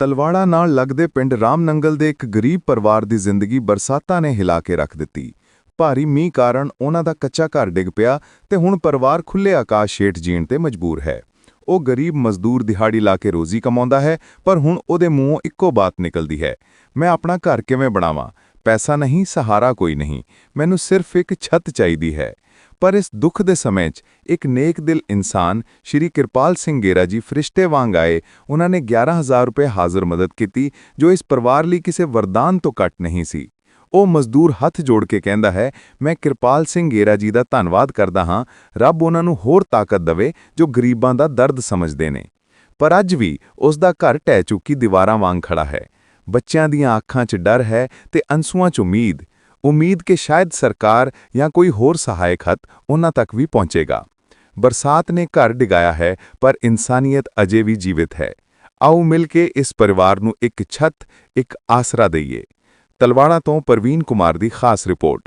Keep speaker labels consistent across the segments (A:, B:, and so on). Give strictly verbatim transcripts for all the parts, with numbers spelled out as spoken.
A: ਤਲਵਾੜਾ ਨਾਲ ਲੱਗਦੇ ਪਿੰਡ ਰਾਮਨੰਗਲ ਦੇ ਇੱਕ ਗਰੀਬ ਪਰਿਵਾਰ ਦੀ ਜ਼ਿੰਦਗੀ ਬਰਸਾਤਾਂ ਨੇ ਹਿਲਾ ਕੇ ਰੱਖ ਦਿੱਤੀ। ਭਾਰੀ ਮੀਂਹ ਕਾਰਨ ਉਹਨਾਂ ਦਾ ਕੱਚਾ ਘਰ ਡਿੱਗ ਪਿਆ ਤੇ ਹੁਣ ਪਰਿਵਾਰ ਖੁੱਲੇ ਆਕਾਸ਼ ਹੇਠ ਜੀਣ ਤੇ ਮਜਬੂਰ ਹੈ। ਉਹ ਗਰੀਬ ਮਜ਼ਦੂਰ ਦਿਹਾੜੀ ਲਾ ਕੇ ਰੋਜ਼ੀ ਕਮਾਉਂਦਾ ਹੈ, ਪਰ ਹੁਣ ਉਹਦੇ ਮੂੰਹੋਂ ਇੱਕੋ ਬਾਤ ਨਿਕਲਦੀ ਹੈ, ਮੈਂ ਆਪਣਾ ਘਰ ਕਿਵੇਂ ਬਣਾਵਾਂ? ਪੈਸਾ ਨਹੀਂ, ਸਹਾਰਾ ਕੋਈ ਨਹੀਂ, ਮੈਨੂੰ ਸਿਰਫ ਇੱਕ ਛੱਤ ਚਾਹੀਦੀ ਹੈ। ਪਰ ਇਸ ਦੁੱਖ ਦੇ ਸਮੇਂ 'ਚ ਇੱਕ ਨੇਕ ਦਿਲ ਇਨਸਾਨ ਸ਼੍ਰੀ ਕਿਰਪਾਲ ਸਿੰਘ ਗੇਰਾ ਜੀ ਫਰਿਸ਼ਤੇ ਵਾਂਗ ਆਏ। ਉਹਨਾਂ ਨੇ ਗਿਆਰਾਂ ਹਜ਼ਾਰ ਰੁਪਏ ਹਾਜ਼ਰ ਮਦਦ ਕੀਤੀ, ਜੋ ਇਸ ਪਰਿਵਾਰ ਲਈ ਕਿਸੇ ਵਰਦਾਨ ਤੋਂ ਘੱਟ ਨਹੀਂ ਸੀ। ਉਹ ਮਜ਼ਦੂਰ ਹੱਥ ਜੋੜ ਕੇ ਕਹਿੰਦਾ ਹੈ, ਮੈਂ ਕਿਰਪਾਲ ਸਿੰਘ ਗੇਰਾ ਜੀ ਦਾ ਧੰਨਵਾਦ ਕਰਦਾ ਹਾਂ। ਰੱਬ ਉਹਨਾਂ ਨੂੰ ਹੋਰ ਤਾਕਤ ਦੇਵੇ ਜੋ ਗਰੀਬਾਂ ਦਾ ਦਰਦ ਸਮਝਦੇ ਨੇ। ਪਰ ਅੱਜ ਵੀ ਉਸ ਦਾ ਘਰ ਢਹਿ ਚੁੱਕੀ ਦੀਵਾਰਾਂ ਵਾਂਗ ਖੜਾ ਹੈ। ਬੱਚਿਆਂ ਦੀਆਂ ਅੱਖਾਂ 'ਚ ਡਰ ਹੈ ਤੇ ਅੰਸੂਆਂ 'ਚ ਉਮੀਦ ਉਮੀਦ ਕਿ ਸ਼ਾਇਦ ਸਰਕਾਰ ਜਾਂ ਕੋਈ ਹੋਰ ਸਹਾਇਕ ਹੱਥ ਉਹਨਾਂ ਤੱਕ ਵੀ ਪਹੁੰਚੇਗਾ। ਬਰਸਾਤ ਨੇ ਘਰ ਡਿਗਾਇਆ ਹੈ, ਪਰ ਇਨਸਾਨੀਅਤ ਅਜੇ ਵੀ ਜੀਵਿਤ ਹੈ। ਆਓ ਮਿਲ ਕੇ ਇਸ ਪਰਿਵਾਰ ਨੂੰ ਇੱਕ ਛੱਤ, ਇੱਕ ਆਸਰਾ ਦਈਏ। ਤਲਵਾੜਾ ਤੋਂ ਪ੍ਰਵੀਨ ਕੁਮਾਰ ਦੀ ਖਾਸ ਰਿਪੋਰਟ।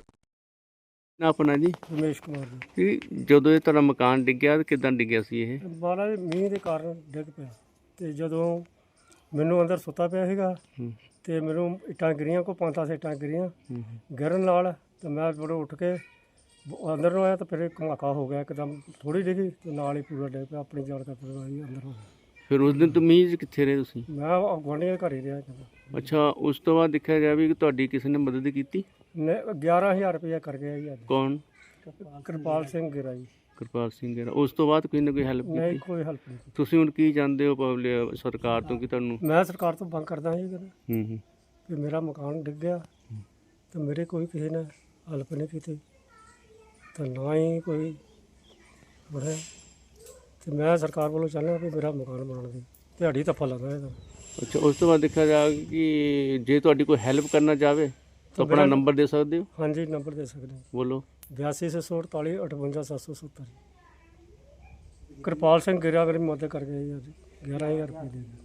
B: ਨਾ ਆਪਣਾ ਜੀ
C: ਰਮੇਸ਼ ਕੁਮਾਰ ਜੀ।
B: ਜੀ ਜਦੋਂ ਇਹ ਤੁਹਾਡਾ ਮਕਾਨ ਡਿੱਗਿਆ ਕਿਦਾਂ ਡਿੱਗਿਆ ਸੀ ਇਹ?
C: ਬਾਰਾਂ ਮੀਂਹ ਦੇ ਕਾਰਨ ਡਿੱਗ ਪਿਆ ਤੇ ਜਦੋਂ ਮੈਨੂੰ ਅੰਦਰ ਸੁੱਤਾ ਪਿਆ ਸੀਗਾ ਤੇ ਮੈਨੂੰ ਇੱਟਾਂ ਗਿਰੀਆਂ, ਕੋ ਪੰਜ ਦਸ ਇੱਟਾਂ ਗਿਰੀਆਂ ਗਿਰਨ ਨਾਲ ਤੇ ਮੈਂ ਬੜੋ ਉੱਠ ਕੇ ਅੰਦਰ ਨੂੰ ਆਇਆ ਤਾਂ ਫਿਰ ਧਮਾਕਾ ਹੋ ਗਿਆ ਇੱਕਦਮ, ਥੋੜੀ ਡਿੱਗੀ ਤੇ ਨਾਲ ਹੀ ਪੂਰਾ ਡਿੱਗ ਪਿਆ। ਆਪਣੀ ਜਾਨ ਦਾ ਪਤਾ ਹੀ ਅੰਦਰ ਹੋ ਗਿਆ।
B: ਫਿਰ ਉਸ ਦਿਨ ਤੋਂ ਮੀਂਹ 'ਚ ਕਿੱਥੇ ਰਹੇ ਤੁਸੀਂ?
C: ਮੈਂ ਗੁਆਂਢੀਆਂ ਦੇ ਘਰ ਹੀ ਰਿਹਾ।
B: ਅੱਛਾ, ਉਸ ਤੋਂ ਬਾਅਦ ਦੇਖਿਆ ਜਾਵੇ ਕਿ ਤੁਹਾਡੀ ਕਿਸੇ ਨੇ ਮਦਦ ਕੀਤੀ?
C: ਨੇ ਗਿਆਰਾਂ ਹਜ਼ਾਰ ਰੁਪਇਆ ਕਰ ਗਿਆ ਜੀ ਅੱਜ।
B: ਕੌਣ?
C: ਕਿਰਪਾਲ ਸਿੰਘ ਗਿਰਾ ਜੀ।
B: ਕਿਰਪਾਲ ਸਿੰਘ ਗੇਰਾ। ਉਸ ਤੋਂ ਬਾਅਦ ਕੋਈ ਨਾ ਕੋਈ ਹੈਲਪ
C: ਨਹੀਂ,
B: ਕੀਤੀ?
C: ਕੋਈ ਹੈਲਪ ਨਹੀਂ ਕੀਤੀ।
B: ਤੁਸੀਂ ਹੁਣ ਕੀ ਚਾਹੁੰਦੇ ਹੋ ਪਬਲਿਕ ਸਰਕਾਰ ਤੋਂ ਕਿ ਤੁਹਾਨੂੰ?
C: ਮੈਂ ਸਰਕਾਰ ਤੋਂ ਮੰਗ ਕਰਦਾ ਜੀ
B: ਹੂੰ ਹੂੰ
C: ਕਿ ਮੇਰਾ ਮਕਾਨ ਡਿੱਗ ਗਿਆ ਤੇ ਮੇਰੇ ਕੋਈ ਕਿਸੇ ਨੇ ਹੈਲਪ ਨਹੀਂ ਕੀਤੀ ਤੇ ਨਾ ਹੀ ਕੋਈ ਬਣਿਆ, ਤੇ ਮੈਂ ਸਰਕਾਰ ਵੱਲੋਂ ਚਾਹੁੰਦਾ ਵੀ ਮੇਰਾ ਮਕਾਨ ਬਣਾਉਣ ਦੀ ਦਿਹਾੜੀ ਧੱਪਾ ਲੱਗਾ ਇਹਦਾ।
B: ਅੱਛਾ, ਉਸ ਤੋਂ ਬਾਅਦ ਦੇਖਿਆ ਜਾਵੇ ਕਿ ਜੇ ਤੁਹਾਡੀ ਕੋਈ ਹੈਲਪ ਕਰਨਾ ਚਾਹਵੇ ਤਾਂ ਆਪਣਾ ਨੰਬਰ ਦੇ ਸਕਦੇ ਹੋ?
C: ਹਾਂਜੀ, ਨੰਬਰ ਦੇ ਸਕਦੇ।
B: ਬੋਲੋ।
C: ਬਿਆਸੀ ਛੇ ਸੌ ਅਠਤਾਲੀ ਅਠਵੰਜਾ ਸੱਤ ਸੌ ਸੱਤਰ। ਕਿਰਪਾਲ ਸਿੰਘ ਗਿਰਾ ਮੇਰੀ ਮਦਦ ਕਰ ਗਿਆ ਜੀ ਅੱਜ, ਗਿਆਰਾਂ ਹਜ਼ਾਰ ਰੁਪਏ ਦੇ